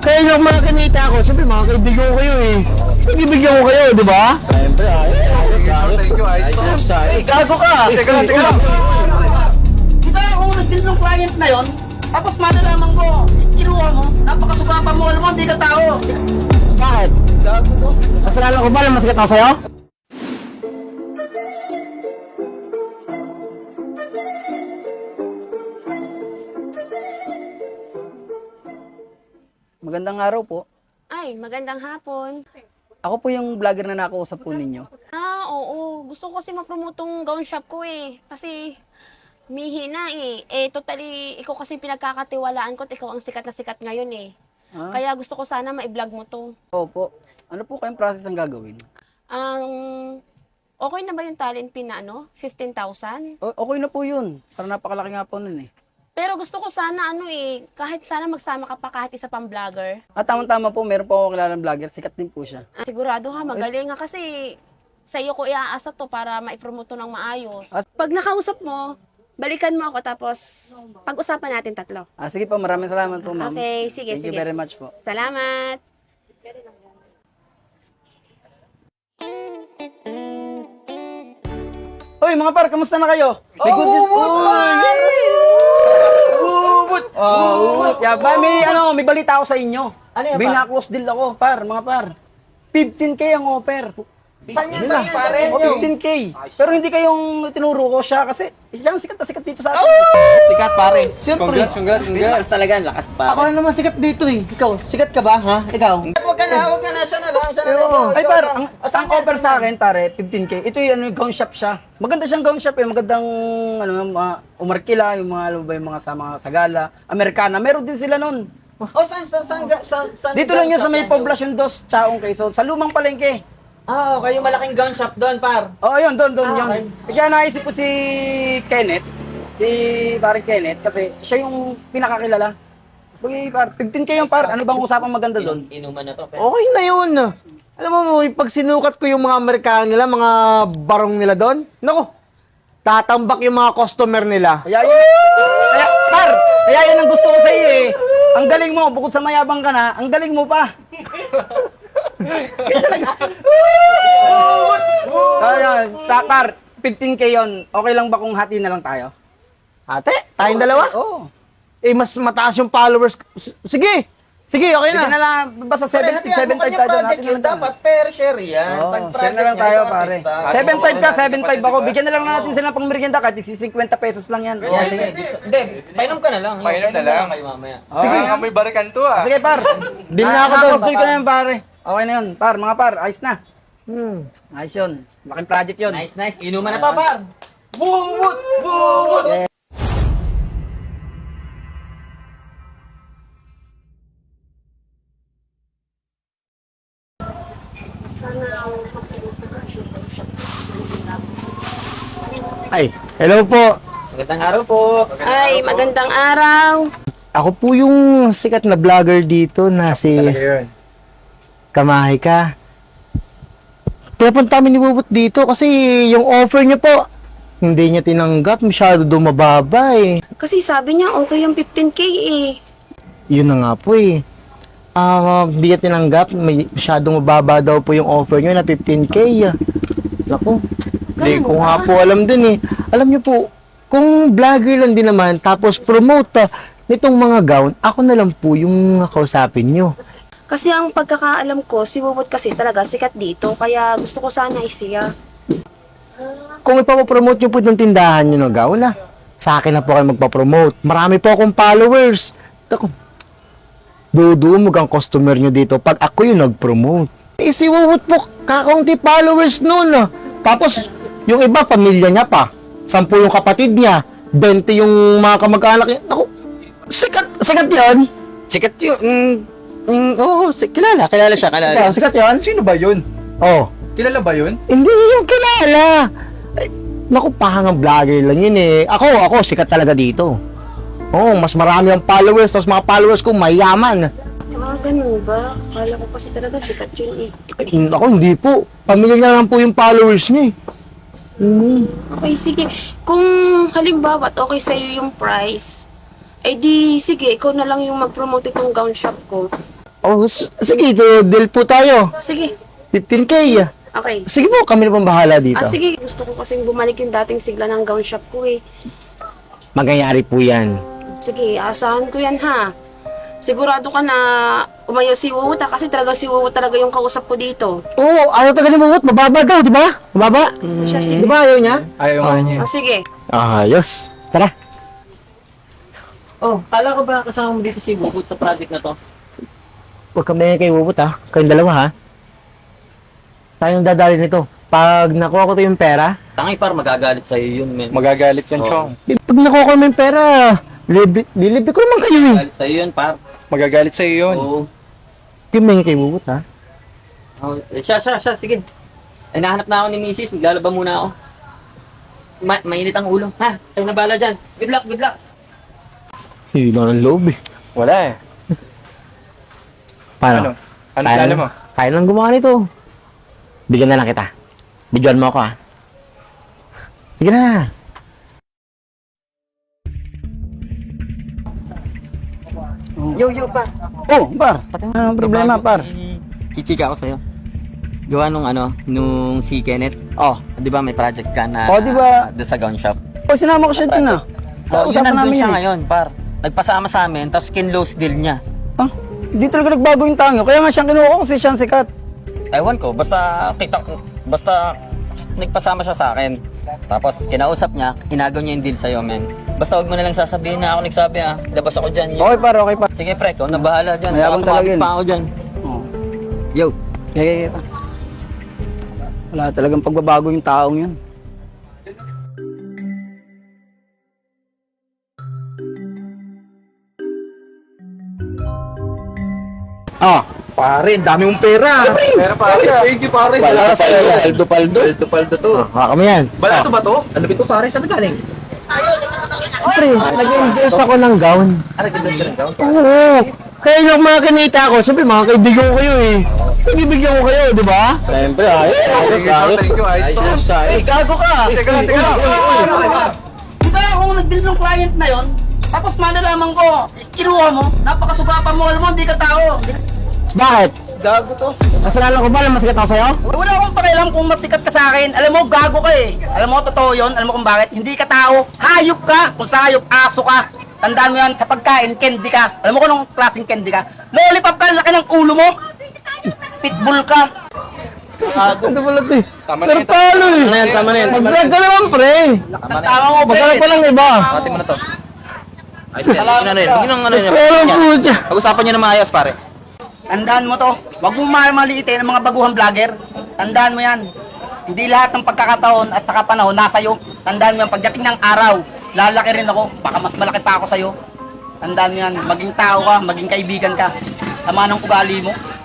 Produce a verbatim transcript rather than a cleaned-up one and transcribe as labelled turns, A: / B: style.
A: Sa inyo ang mga kinita ko, siyempre mga kaibigan ko kayo eh. Nagbibigyan ko kayo, di ba?
B: Siyempre, ayos. Thank you, ayos.
A: Eh, gago ka!
B: Teka lang, teka lang.
C: Di ba kung nag-deal ng client na yon, tapos malalaman ko, kinuha mo, napakasugapa mo, alam mo, hindi ka tao.
A: Bakit?
C: Gago ko.
A: Kasalanan ko ba na masikat ako sa'yo?
D: Magandang araw po.
E: Ay, magandang hapon.
D: Ako po yung vlogger na nakausap po ninyo.
E: Ah, oo. Gusto ko kasi ma-promote tong gown shop ko eh. Kasi mihi na eh. Eh, totally, ikaw kasi pinagkakatiwalaan ko at ikaw ang sikat na sikat ngayon eh.
D: Ah?
E: Kaya gusto ko sana ma-vlog mo to.
D: Opo. Ano po kayong process ang gagawin?
E: Ang okay na ba yung talent pin na ano? fifteen thousand?
D: O- okay na po yun. Para napakalaki nga po nun eh.
E: Pero gusto ko sana ano eh, kahit sana magsama ka pa kahit isa pang vlogger.
D: At tamang-tama po, meron po ako kilalang vlogger. Sikat din po siya.
E: Ah, sigurado ha, magaling nga kasi sa iyo ko iaasa to para ma-promote to ng maayos.
D: At-
E: Pag nakausap mo, balikan mo ako tapos pag-usapan natin tatlo.
D: Ah, sige po, maraming salamat po, ma'am.
E: Okay, sige,
D: Thank
E: sige.
D: you very much po.
E: Salamat.
D: Hoy, mga par, kamusta na kayo? May good news po. Ubut! Oh, ubut! Yeah, ba, may, ano, may balita ako sa inyo.
C: Ano yan, par?
D: Binaklos deal ako, par, mga par. fifteen K ang offer.
C: Saan yan, saan pare?
D: O, fifteen K. Pero hindi kayong tinuro ko siya kasi siya ang sikat na sikat dito sa atin.
B: Sikat, pare.
A: Siyempre.
B: Congrats, congrats, congrats. Talaga, lakas, pare.
A: Ako na naman sikat dito eh. Ikaw, sikat ka ba, ha? Ikaw?
C: Huwag ka na, huwag ka na, siya na lang, siya na lang.
A: Oo.
D: Ay, par, ang, ang offer sa akin, tare, fifteen K. Ito yung ano, gown shop siya. Maganda siyang gown shop eh. Magandang, ano, mga umarkila, yung mga, ano ba, yung mga sa mga sagala, Amerikana. Meron din sila nun.
C: Oh, saan, saan, saan, saan, saan?
D: Dito lang yun sa may Poblacion dos, Chaong Quezon, sa lumang palengke.
C: Ah, okay, yung malaking gun shop doon, par.
D: Oo, yun, doon, doon,
C: Ah,
D: yun.
C: okay.
D: Kaya naisip ko si Kenneth, si parang Kenneth, kasi siya yung pinakakilala. Bagay, par, fifteen K yung par, ano bang usapang maganda doon?
C: Inuman na to,
A: Okay na yun. Alam mo mo, pag sinukat ko yung mga Amerikano nila, mga barong nila doon, naku, tatambak yung mga customer nila.
D: Kaya yun, kaya, par, kaya yun ang gusto ko sa iyo eh. Ang galing mo, bukod sa mayabang ka na, ang galing mo pa. Kaya, ta- par, fifteen K yun, okay lang ba kung hati na lang tayo?
A: Ate, tayong dalawa?
D: Oo.
A: Eh, mas mataas yung followers. S- Sige, sige, okay
D: Bigyan na
A: na.
D: lang, basta seventy, seventy-five tayo doon.
C: project yun, dapat fair share yan.
D: Oo,
C: Pag
D: share
C: project
D: na lang
C: niya,
D: tayo,
C: ito,
D: pare.
C: artista.
D: seventy-five ka, seventy-five ako. Bigyan na lang natin sila pang merienda kahit fifty pesos lang yan.
C: Oo, sige. Hindi, painom ka na lang.
B: Painom na lang.
C: kayo mamaya.
B: Sige, nga may barikan to, ah.
D: Sige, par.
A: Din na ako doon.
D: Nakakapil ko na yun, pare. Okay na yun, par. Mga par, ayos na.
A: Hmm.
D: Ayos yun. Laking project yun.
C: Nice, nice. Inuman na pa, par. Bumut! Bumut!
A: Ay, hello po.
C: Magandang araw po.
E: Ay, magandang araw.
A: Ako po yung sikat na vlogger dito na si Kamahay ka. Pinapunta kami ni Bubut dito kasi yung offer niya po, hindi niya tinanggap, masyado dumababa eh.
E: Kasi sabi niya okay yung fifteen K eh.
A: Yun na nga po eh. Ah, hindi niya tinanggap, may masyadong mababa daw po yung offer niyo na fifteen K. Naku, hindi
E: Ganun
A: ko
E: ba?
A: nga po alam din eh. Alam niyo po, kung vlogger lang din naman, tapos promote ah, nitong mga gown, ako na lang po yung kausapin niyo.
E: Kasi ang pagkakaalam ko, si Bubot kasi talaga sikat dito. Kaya gusto ko sana isiya.
A: Kung ipapapromote niyo po itong tindahan niyo na gown ah, sa akin na po kayo magpapromote. Marami po akong followers. Ako, dudumog ang customer niyo dito pag ako yung nag-promote. Eh, si Wuwut po, kakaunti followers noon ah. Tapos, yung iba, pamilya niya pa. Sampu yung kapatid niya. Bente yung mga kamag-anak niya. Naku, sikat, sikat yan.
B: Sikat yun. Mm, mm, oo, si- kilala. Kilala siya, kilala.
A: Sikat, sikat yan.
B: Sino ba yun?
A: Oh,
B: Kilala ba yun?
A: hindi niya yung kilala. Ay, naku, pahangang vlogger lang yun eh. Ako, ako, sikat talaga dito. Oo, mas marami ang followers, tapos mga followers ko mayaman.
E: Ah, ganun ba? Akala ko kasi talaga sikat yun eh.
A: Ay, ako, hindi po. Pamilya niya lang po yung followers niya eh. Mm.
E: Okay, sige. Kung halimbawa at okay sa'yo yung price, ay di, sige, ikaw na lang yung mag-promote itong gown shop ko.
A: Oh, s- sige, ito, deal po tayo.
E: Sige.
A: fifteen K.
E: Okay.
A: Sige po, kami na pong bahala dito.
E: Ah, sige. Gusto ko kasing bumalik yung dating sigla ng gown shop ko eh.
A: Magyayari po yan.
E: Sige, asahan ko yan ha. Sigurado ka na umayaw si Wuwut ha, kasi talaga si Wuwut talaga yung kausap ko dito.
A: Oo, ayaw taga ni Mumut. Mababa daw, di ba? Mababa.
E: Siya,
A: Di
E: sige.
A: ba ayaw niya?
B: Ayaw nga niya.
E: Ah, sige.
A: Ayos. Tara.
C: Oh, kala ko ba kasama mo dito si Bukod sa project na to?
A: Huwag kami kay Mumut ha. Kayong dalawa ha. Tayong dadali nito. Pag nakuha ko to yung pera,
C: Tangi par, magagalit sa'yo yun, men.
B: Magagalit yan,
C: Oo.
B: Chong.
A: di- pag nakuha ko naman yung pera, libi, lilibi ko naman kayo eh.
C: Magagalit sa'yo yun, par.
B: Magagalit sa'yo yun.
C: Oo.
A: Kami kay Mumut ha.
C: Oh, eh, siya, siya, siya, sige. Ay, nahanap na ako ni Missus Maglalaba muna ako. Ma mainit ang ulo. Ha? Tayo na bala dyan. Good luck, good luck.
A: Hila ng loob eh.
B: Wala eh.
A: Paano?
B: Ano? Ano
A: Kaya
B: plano
A: lang-
B: mo?
A: Kaya lang gumawa nito. Bigyan na lang kita. Bigyan mo ako ha. Bigyan na.
C: Yo, yo, par.
D: Oh, par. Ano ang problema, par?
C: Chichika ako sa'yo. Gawa nung ano, nung si Kenneth.
D: Oh.
C: Di ba may project ka na
D: Oh, di ba?
C: doon sa gown shop?
D: Oh, sinama ko siya din ah.
C: Oh, yun
D: Usapan
C: nandun siya
D: eh.
C: ngayon, par. Nagpasama sa amin, tapos kinlose deal niya.
D: Ah, hindi talaga nagbago yung tango. Kaya nga siyang kinuha ko kasi siyang sikat.
C: Ewan ko, basta kita basta nagpasama siya sa akin. Tapos kinausap niya, inagaw niya yung deal sa'yo, men. Basta huwag mo na lang sasabihin na ako nagsabi ah. Labas ako dyan. Yo.
D: Okay, par, okay, par.
C: Sige, pre, ikaw na bahala dyan.
D: Mayabang
C: Baka
D: talaga
C: sumabit
D: yun.
C: pa ako dyan.
D: Oh.
C: Yo.
D: Yeah, yeah, yeah, par. Wala talagang pagbabago yung taong yun.
A: Ah,
B: Pare, dami mong pera. Pera pare. Thank you, pare.
A: Wala sa iyo.
B: Paldo, paldo. Paldo, paldo to.
A: haka mo yan.
B: Bala to ba to? Ano ba to, pare? Saan galing?
A: Pre, nag-invest ako ng gown.
B: Ano, ganda ka ng gown?
A: Oo. Kaya yung mga kinita ko, sabi mga kaibigan ko kayo eh. Nagbibigyan ko kayo, di ba? Siyempre, ayos.
B: Thank you, thank you. Ayos to.
A: Eh, gago ka.
B: Teka lang, teka lang.
C: Di ba ako nag-deal ng client na yon? Tapos malalaman ko, kinuha mo, napakasugapa mo, alam mo, hindi ka tao.
A: Bakit?
C: Gago to.
A: Kasalanan ko ba na masikat ako sa'yo?
C: Wala akong pakialam kung masikat ka sa akin. Alam mo, gago ka eh. Alam mo, totoo yun. Alam mo kung bakit? Hindi ka tao. Hayop ka. Kung sa hayop, aso ka. Tandaan mo yan, sa pagkain, candy ka. Alam mo kung anong klaseng candy ka? Lollipop ka, laki ng ulo mo. Pitbull ka.
A: Ano pala ito eh?
B: Tama na
A: Sir
B: yan,
A: Palo eh.
B: Tama na yan, tama na yan, tama na
A: Mag-vlog ka naman, pre.
C: Ang tama mo,
A: Masarap pa lang, iba.
B: Pati mo na to. Ayos na yan. Ano na yan? Tingin ng ano yan.
A: Pero puta.
B: Pag-usapan nyo na maayos, pare.
C: Tandaan mo to. Huwag mo mamaliitin ang mga baguhang vlogger. Tandaan mo yan. Hindi lahat ng pagkakataon at saka panahon nasa iyo. Tandaan mo yan. Pagdating ng araw, lalaki rin ako. Baka mas malaki pa ako sa'yo. Tandaan mo yan. Maging tao ka, maging kaibigan ka. Tama ng ugali mo.